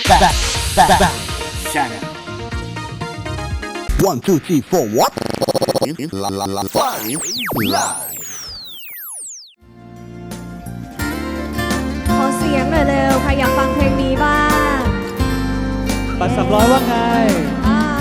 Back Channel 1, 2, 3, 4, what? Live. ขอเสียงหน่อยเร็วใครอยากฟังเพลงนี้บ้างปัด300ว่าไงอ่า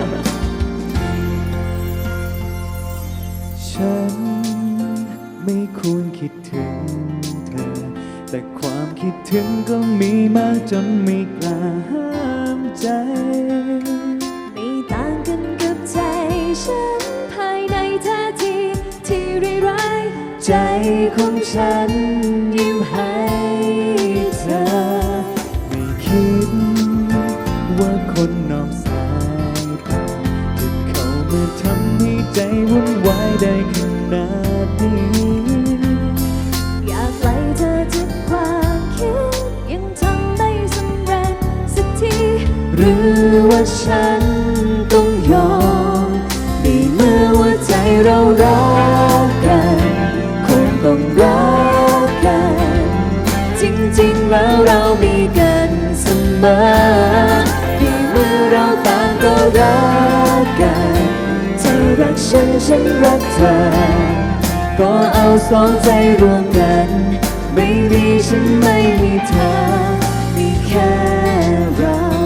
ฉันไม่ควรคิดถึงเธอ แต่ความคิดถึงก็มีมากจนไม่กล้าห้ามใจไม่ต่างกันกับใจฉันภายในท่าทีที่ร้ายใจของฉันยิ้มให้เธอ ไม่คิดว่าคนนอกสายตาจะเข้ามาทำให้ใจวุ่นวายได้ขนาดนี้อยากไล่เธอจากความคิดยังทำไม่สำเร็จสักทีหรือว่าฉันต้องยอมในเมื่อว่าใจเรารักกันคงต้องรักกันจริงๆแล้วเรามีกันเสมอในเมื่อเราต่างก็รักกันเธอรักฉันฉันรักเธอก็เอาสองใจรวมกันไม่มีฉันไม่มีเธอมีแค่เรา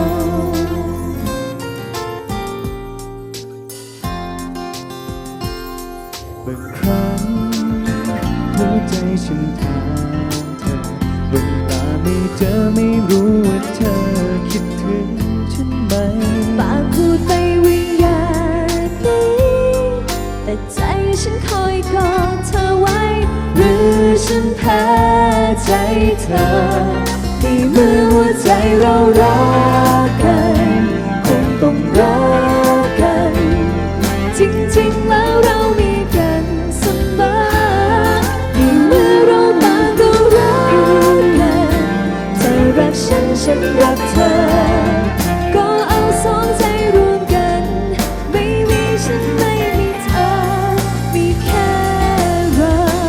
บางครั้งหัวใจฉันถามเธอเวลาไม่เจอไม่รู้ว่าเธอคิดถึงฉันไหมปากพูดไปวิญญาณนี้แต่ใจฉันคอยกอดเธอไว้หรือฉันแพ้ใจเธอในเมื่อหัวใจเรารักกันคงต้องรักกันจริงๆแล้วเรามีกันเสมอในเมื่อเราต่างก็รักกันเธอรักฉันฉันรักเธอก็เอาสองใจรวมกันไม่มีฉันไม่มีเธอมีแค่เรา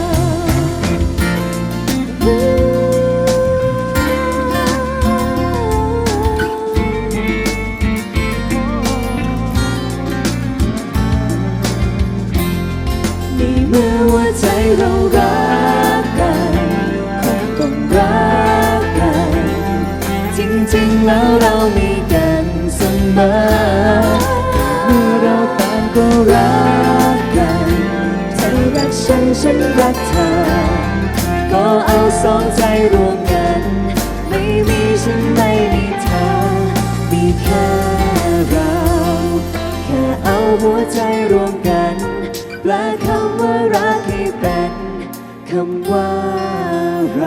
ในเมื่อว่าใจเรารักกันคงต้องรักกันจริงๆแล้วเรามีกันเสมอเมื่อเราต่างก็รักกันเธอรักฉันฉันรักเธอก็เอาสองใจรวมกันไม่มีฉันไม่มีเธอมีแค่เราแค่เอาหัวใจรวมกันแปลคำว่ารักให้เป็นคำว่าเรา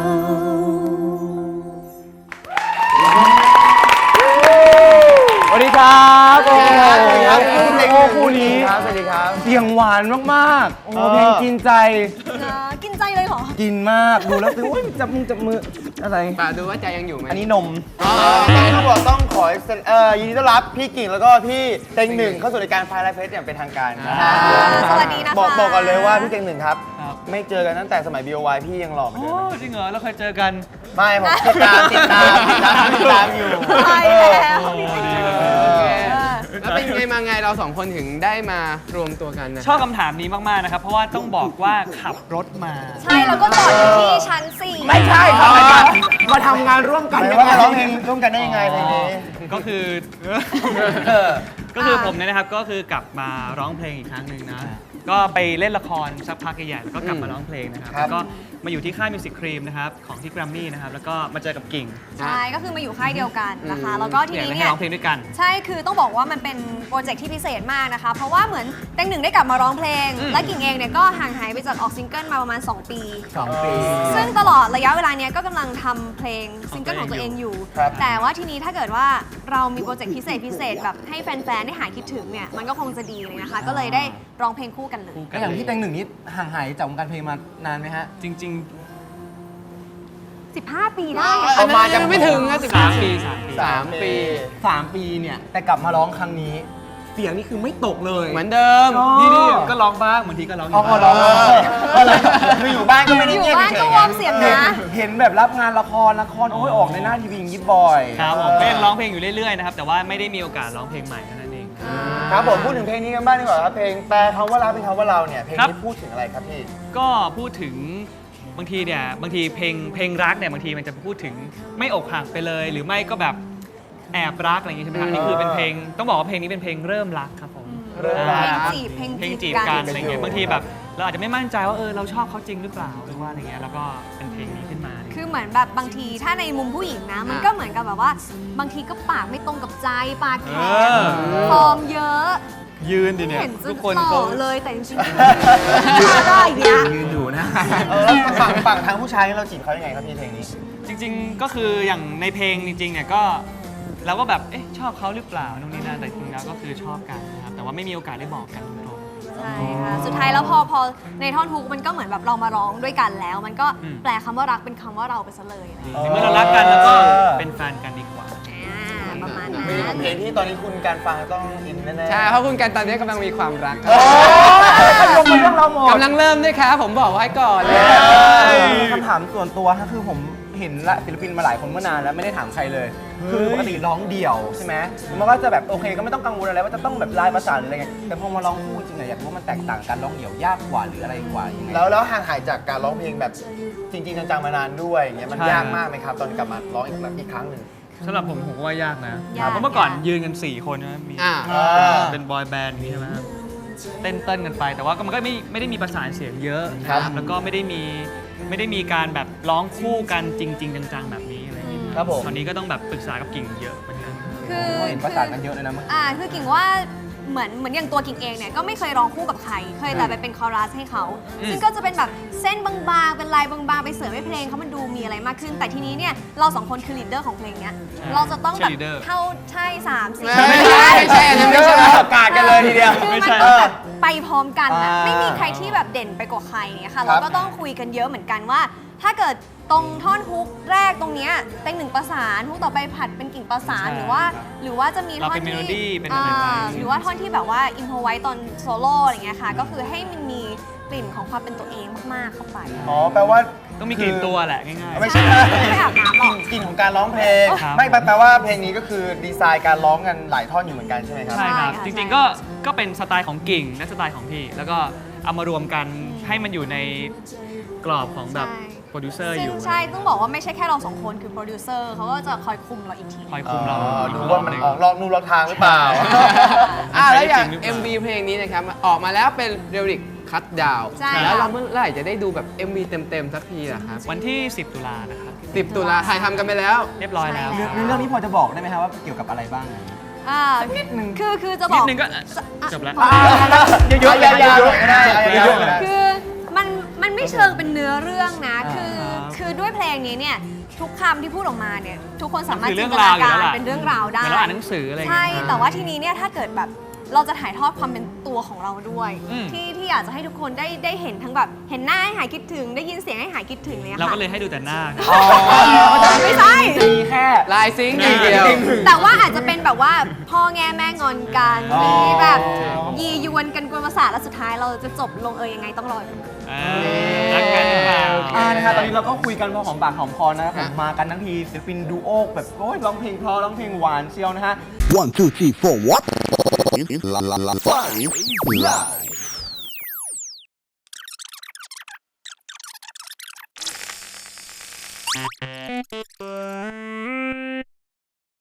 สวัสดีครับโอ้สวัสดีครับโหคู่นี้สวัสดีครับเสียงหวานมากๆ โอ้เพลงกินใจกินใจเลยเหรอกินมาก ดูแล้วคือโอ้ยจับมืออะไรป่าดูว่าใจยังอยู่ไหมอันนี้นมต้องขอยินดีต้อนรับพี่กิ่งแล้วก็พี่เต็งหนึ่งเข้าสู่รายการไฟไลฟ์เฟสอย่างเป็นทางการครับสวัสดีนะคะบอกก่อนเลยว่าพี่เต็งหนึ่งครับครับไม่เจอกันตั้งแต่สมัย BOY พี่ยังหล่อเหมือนโอ้เดิมจริงเหรอ เราเคยเจอกันไม่ผมติดตามอยู่ใช่แล้วโอ้ดีเลยแล้วเป็นไงมาไงเราสองคนถึงได้มารวมตัวกันนะชอบคำถามนี้มาก ๆ นะครับ เพราะว่าต้องบอกว่าขับรถมาใช่แล้วก็จอดอยู่ที่ชั้น 4 ไม่ใช่ครับมาทำงานร่วมกันว่ามาร้องเพลงร่วมกันได้ยังไงเพลงนี้ก็คือ ผมเนี่ยนะครับ ก็คือกลับมาร้องเพลงอีกครั้งหนึ่งนะ ก็ไปเล่นละครสักพักใหญ่ๆแล้วก็กลับมาร้องเพลงนะครับครับแล้วก็มาอยู่ที่ค่ายมิวสิกครีมนะครับ ของที่แกรมมี่นะครับ แล้วก็มาเจอกับกิ่งใช่ ก็คือมาอยู่ค่ายเดียวกันนะคะ แล้วก็ทีอยากนี้ให้เนี่ยร้องเพลงด้วยกันใช่ คือต้องบอกว่ามันเป็นโปรเจกต์ที่พิเศษมากนะคะ เพราะว่าเหมือนเต็งหนึ่งได้กลับมาร้องเพลง และกิ่งเองเนี่ยก็ห่างหายไปจากออกซิงเกิลมาประมาณ 2 ปี 2 ปีซึ่งตลอดระยะเวลาเนี้ยก็กำลังทำเพลงซิงเกิลของตัวเองอยู่ครับแต่ว่าทีนี้ถ้าเกิดว่าเรามีโปรเจกต์พิเศษแบบให้แฟนๆ ได้หายคิดถึงเนี่ย มันก็คงจะดีเลยนะคะ ก็เลยได้ร้องเพลงคู่กันเลยแล้วอย่างพี่แตงหนึ่งนี่ห่างหายจากวงการเพลงมานานไหมฮะจริง 15 ปีได้ประมาณยังไม่ถึงนะๆ3 ปี 3 ปี 3 ปีเนี่ย แต่กลับมาร้องครั้งนี้เสียงนี่คือไม่ตกเลยเหมือนเดิมนี่ก็ร้องบ้างบางทีก็ร้องอยู่อ๋อบ้างเหรอคืออยู่บ้านก็ไม่ได้อยู่เงียบบ้านเฉก็ยวอร์มเสียงนะเห็นแบบรับงานละครโอ้ยออกในหน้าทีวีอย่างนี้บ่อยครับผมก็ยังร้องเพลงอยู่เรื่อยๆนะครับแต่ว่าไม่ได้มีโอกาสร้องเพลงใหม่เท่านั้นเองครับผมพูดถึงเพลงนี้กันบ้างดีกว่าครับเพลงแปลคำว่ารักเป็นคำว่าเราเนี่ยเพลงครับนี้พูดถึงอะไรครับพี่ก็พูดถึงบางทีเพลงรักเนี่ยบางทีมันจะพูดถึงไม่อกหักไปเลย หรือไม่ก็แบบแอบรักอะไรอย่างงี้ใช่ไหมครับอันนี่คือเป็นเพลงต้องบอกว่าเพลงนี้เป็นเพลงเริ่มรักครับผมเริ่มรักเพลงจีบกันอะไรเงี้ยบางทีแบบเราอาจจะไม่มั่นใจว่าเราชอบเขาจริงหรือเปล่าหรือว่าอะไรเงี้ยแล้วก็เป็นเพลงนี้ขึ้นมาคือเหมือนแบบบางทีถ้าในมุมผู้หญิงนะ มันก็เหมือนกับแบบว่า บางทีก็ปากไม่ตรงกับใจปากแข็งฟอร์มเยอะยืนดิไม่เนี่ยเห็นจะทุกคนหล่เขาอเลยแต่จริงๆได้อย่างเงี้ยยืนอยู่นะแล้วฝั่งทางผู้ชายเราจีบเขายังไงครับพี่เพลงนี้จริงๆก็คืออย่างในเพลงจริงๆเนี่ยก็เราก็แบบชอบเขาหรือเปล่านู่นนี่นั่นแต่จริงๆแล้วก็คือชอบกันนะครับแต่ว่าไม่มีโอกาสได้บอกกันตรงใช่ค่ะสุดท้ายแล้วพอในท่อนฮุกมันก็เหมือนแบบเรามาร้องด้วยกันแล้ว มันก็แปลคำว่ารักเป็นคำว่าเราไปซะเลยอะไรอย่างเงี้ยๆในเมื่อเรารักกันแล้วก็เป็นแฟนกันดีกว่าประมาณนั้เป็นนเพลงที่ตอนนี้คุณการฟังต้องอินแน่ๆใช่ เพราะคุณกันตอนนี้กำลังมีความรักครับลงไปเรื่องเราหมดกำลังเริ่มด้วยครับผมบอกไว้ก่อนเลยคำถามส่วนตัวฮะคือผมเห็นละศิลปินมาหลายคนเมื่อนานแล้วไม่ได้ถามใครเลย คือปกติร้องเดี่ยวใช่ไหมมันก็จะแบบโอเคก็ไม่ต้องกังวลอะไรว่าจะต้องแบบลายประสานหรืออะไรเงี้ยแต่พอมาร้องคู่จริงๆอยากรู้ว่ามันแตกต่างกันร้องเดี่ยวยากกว่าหรืออะไรกว่ายังไงแล้วห่างหายจากการร้องเพลงแบบจริงๆจังๆมานานด้วยอย่างเงี้ยมันใช่ยากมากไหมครับ ตอนกลับมาร้องอีกครั้งหนึ่งสำหรับผมก็ว่ายากนะยากเพราะเมื่อก่อนยืนกัน 4 คนนะมีอ่าเป็นบอยแบนด์อย่างนี้ใช่ไหมครับเต้นกันไป แต่ว่าก็มันก็ไม่ได้มีประสานเสียงเยอะนะครับแล้วก็ไม่ได้มีการแบบร้องคู่กันจริง ๆ จังๆแบบนี้อะไรอย่างเงี้ยครับผมตอนนี้ก็ต้องแบบปรึกษากับกิ่งเยอะเหมือนกันคือเห็นประสานกันเยอะเลยนะมั้งคือกิ่งว่าเหมือนอย่างตัวกิ่งเองเนี่ยก็ไม่เคยร้องคู่กับใคร เคยแต่ไปเป็นคอรัสให้เขา ซึ่งก็จะเป็นแบบเส้นบางๆ เป็นลายบางๆ ไปเสริมให้เพลงเขามันดูมีอะไรมากขึ้น แต่ทีนี้เนี่ยเราสองคนคือลีดเดอร์ของเพลงเนี้ย เราจะต้องแบบ Cheerleader เท่าใช่3 4 ไม่ใช่ไม่ใช่อันนั้นไม่ใช่ประกาศกันเลยทีเดียวคือไม่มันใช่ต้องแบบไปพร้อมกันนะอ่าไม่มีใครที่แบบเด่นไปกว่าใครเนี่ยค่ะครัเราบก็ต้องคุยกันเยอะเหมือนกันว่า ถ้าเกิดตรงท่อนฮุกแรกตรงเนี้ยเต็งหนึ่งประสานฮุกต่อไปผัดเป็นกิ่งประสานใช่หรือว่าจะมีเราท่อนเป็นที่ melody เป็นอะไรไปหรือว่าท่อนที่แบบว่าอินโพไว้ตอนโซโล่อะไรเงี้ยค่ะ ก็คือให้มันมีกลิ่นของความเป็นตัวเองมากๆเข้าไปอ๋อแปลว่าต้องมีกลิ่นตัวแหละง่ายๆไม่ใช่ไม่อาบน้ำหรอกกลิ่นของการร้องเพลงครับไม่แปลว่าเพลงนี้ก็คือดีไซน์การร้องกันหลายท่อนอยู่เหมือนกันใช่ไหมครับใช่ครับใช่ค่ะจริงใช่ๆก็เป็นสไตล์ของกิ่งและสไตล์ของพี่ แล้วก็เอามารวมกันให้มันอยู่ในกรอบของแบบใช่โปรดิวเซอร์อซึ่งยู่ใช่ต้องบอกว่าไม่ใช่แค่เราสองคนคือโปรดิวเซอร์เขาก็จะคอยคุมเราอีกทีคอยคุมเราดูว่ามันออกลองนูลองทางหรือเปล่าแล้วอย่างจริงหรือเปล่า MV เพลงนี้นะครับออกมาแล้วเป็นเรลิกคัตดาวใช่แล้วเราเมื่อไหร่จะได้ดูแบบ MV เต็มๆสักทีล่ะครับวันที่ 10 ตุลานะครับ 10 ตุลาถ่ายทำกันไปแล้วเรียบร้อยแล้วใช่เรื่องนี้พอจะบอกได้ไหมครับว่าเกี่ยวกับอะไรบ้างคือจะบนิอดกนึงก็จบแล้วเยอะๆเลยเยอะๆก็ได้เยอะๆก็ได้คือมันไม่เชิงเป็นเนื้อเรื่องนะ คือด้วยเพลงนี้เนี่ยทุกคำที่พูดออกมาเนี่ยทุกคนสามารถมันคือเรื่จิอน งตราวนาอยู่การแล้วล่ะเป็นเรื่องราวได้เหมือนเราอ่านหนังสืออะไรอย่างเงี้ใช่ยแต่ว่าทีนี้เนี่ยถ้าเกิดแบบเราจะถ่ายทอดความเป็นตัวของเราด้วยอืมที่อยากจะให้ทุกคนได้เห็นทั้งแบบเห็นหน้าให้หายคิดถึง ได้ยินเสียงให้หายคิดถึงเลยเราค่ะก็เลยให้ดูแต่หน้าไม่ใช่มีแค่ลายซิงค์อย่างเดียวแต่ว่าอาจจะเป็นแบบว่าพ่อแง่แม่งอนกันมีแบบยียวนกันกวนประสาทแล้วสุดท้ายเราจะจบลงยังไงต้องรอดูรักกันหรือเปล่านะคะตอนนี้เราก็คุยกันพอหอมปากหอมคอนะครับผมมากันทั้งทีศิลปินดูโอแบบโอ้ยร้องเพลงเพราะร้องเพลงหวานเชียวนะฮะ 1, 2, 3, 4, what? La la la 5 live.